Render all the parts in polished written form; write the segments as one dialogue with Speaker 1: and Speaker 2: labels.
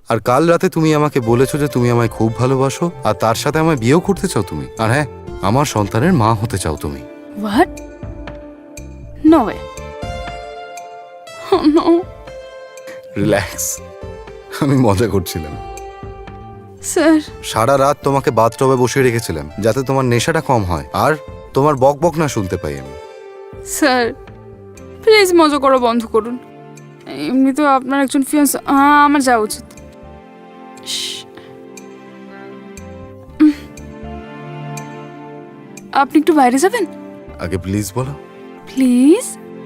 Speaker 1: আর কাল রাতে তুমি আমাকে বলেছো যে তুমি আমায় খুব ভালোবাসো আর তার সাথে আমায় বিয়েও করতে চাও তুমি। আর হ্যাঁ, আমার সন্তানের মা হতে চাও তুমি।
Speaker 2: What? No way. Oh no.
Speaker 1: Relax, আমি মজা করছিলাম।
Speaker 2: স্যার,
Speaker 1: সারা রাত তোমাকে বাথটবে বসিয়ে রেখেছিলাম যাতে তোমার নেশাটা কম হয় আর তোমার বকবক না শুনতে পাই আমি।
Speaker 2: স্যার প্লিজ মজা করা বন্ধ করুন। এমনি তো আপনার একজন ফিয়ান্স, আমার যাওয়া উচিত। আপনি একটু বাইরে যাবেন
Speaker 1: আগে প্লিজ বলো।
Speaker 2: প্লিজ।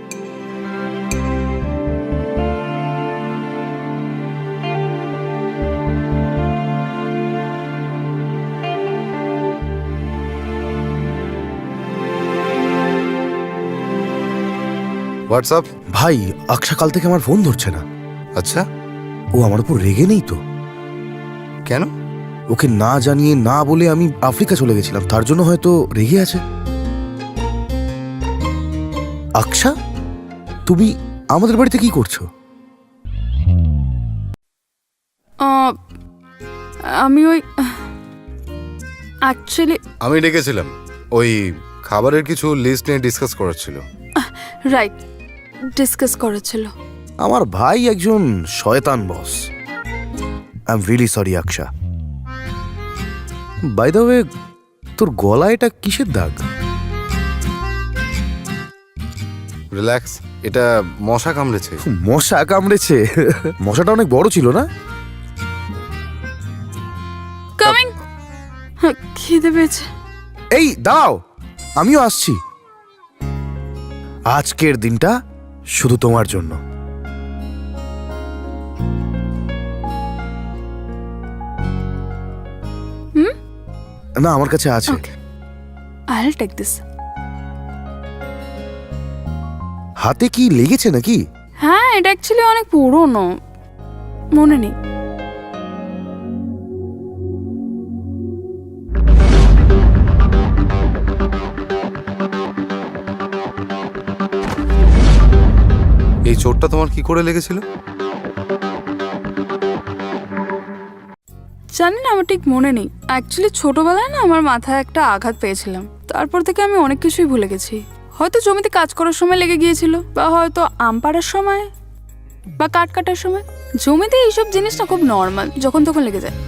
Speaker 1: হোয়াটসঅ্যাপ?
Speaker 3: ভাই, আকশা কাল থেকে আমার ফোন ধরছে না।
Speaker 1: আচ্ছা,
Speaker 3: ও আমার উপর রেগে নেই তো?
Speaker 1: কেন?
Speaker 3: ওকে না জানিয়ে না বলে আমি আফ্রিকা চলে গেছিলাম, তার জন্য হয়তো রেগে আছে। আকশা, তুমি আমাদের বাড়িতে কি করছো?
Speaker 2: আমি ওই অ্যাকচুয়ালি
Speaker 1: আমি ডেকেছিলাম, ওই খাবারের কিছু লিস্ট নিয়ে ডিসকাস করার ছিল।
Speaker 2: রাইট, ডিসকাস করেছিল।
Speaker 3: আমার ভাই একজন শয়তান boss. I am really sorry Aksha. By the way, তোর গলায় এটা কিসের দাগ?
Speaker 1: রিল্যাক্স, এটা মশা কামড়েছে।
Speaker 3: মশা কামড়েছে? মশাটা অনেক বড় ছিল না?
Speaker 2: কামিং। খিদে পেয়েছে।
Speaker 3: এই দাও, আমিও আসছি। আজকের দিনটা শুধু তোমার জন্য। না, আমার কাছে আছে।
Speaker 2: I'll take this.
Speaker 3: হাতে কি লেগেছে নাকি?
Speaker 2: হ্যাঁ, এটা অ্যাকচুয়ালি অনেক পুরনো, মনে নেই।
Speaker 1: এই চোটটা তোমার কি করে লেগেছিল?
Speaker 2: জানি না, আমার ঠিক মনে নেই। অ্যাকচুয়ালি ছোটবেলায় না আমার মাথায় একটা আঘাত পেয়েছিলাম, তারপর থেকে আমি অনেক কিছুই ভুলে গেছি। হয়তো জমিতে কাজ করার সময় লেগে গিয়েছিল, বা হয়তো আম পাড়ার সময়, বা কাঠ কাটার সময়। জমিতে এইসব জিনিস না খুব নর্মাল, যখন তখন লেগে যায়।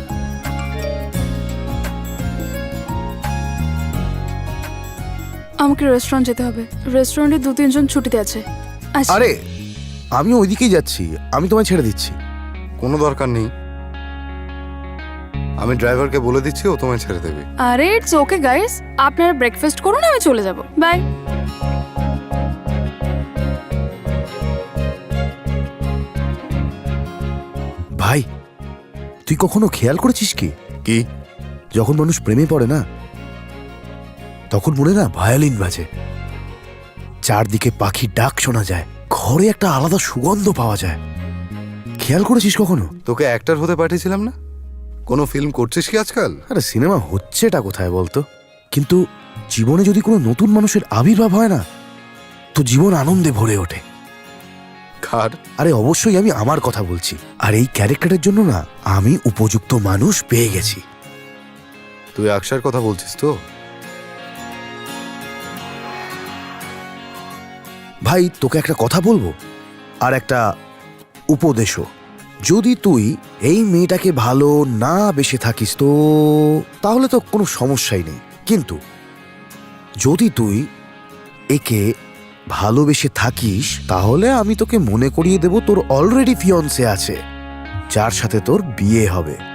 Speaker 2: আমাকে রেস্টুরেন্ট যেতে হবে। রেস্টুরেন্টে 2-3 জন ছুটিতে আছে। আচ্ছা।
Speaker 3: আরে, আমি ওইদিকেই যাচ্ছি, আমি তোমায় ছেড়ে দিচ্ছি।
Speaker 1: কোনো দরকার নেই, আমি ড্রাইভারকে বলে দিচ্ছি, ও তোমায় ছেড়ে দেবে।
Speaker 2: আরে ইটস ওকে গাইস, আপনারা ব্রেকফাস্ট করুন, আমি চলে যাব। বাই।
Speaker 3: ভাই, তুই কখনো খেয়াল করেছিস কি
Speaker 1: কি?
Speaker 3: যখন মানুষ প্রেমে পড়ে না, তখন মনে না ভায়োলিন বাজে, চারদিকে পাখির ডাক শোনা যায়, ঘরে একটা আলাদা সুগন্ধ পাওয়া যায়। খেয়াল করেছিস কখনো?
Speaker 1: তোকে অ্যাক্টর হতে পাঠিয়েছিলাম না? কোনো ফিল্ম করছিস কি আজকাল?
Speaker 3: আরে সিনেমা হচ্ছেটা কোথায় বলতো? কিন্তু জীবনে যদি কোনো নতুন মানুষের আবির্ভাব হয় না, তো জীবন আনন্দে ভরে ওঠে।
Speaker 1: কার?
Speaker 3: আরে অবশ্যই আমি আমার কথা বলছি। আর এই ক্যারেক্টারের জন্য না আমি উপযুক্ত মানুষ পেয়ে গেছি।
Speaker 1: তুই আকশার কথা বলছিস তো?
Speaker 3: ভাই, তোকে একটা কথা বলবো, আর একটা উপদেশও। যদি তুই এই মেয়েটাকে ভালো না বেসে থাকিস তো তাহলে তো কোনো সমস্যাই নেই, কিন্তু যদি তুই একে ভালোবেসে থাকিস তাহলে আমি তোকে মনে করিয়ে দেব তোর অলরেডি ফিয়ন্সে আছে, যার সাথে তোর বিয়ে হবে।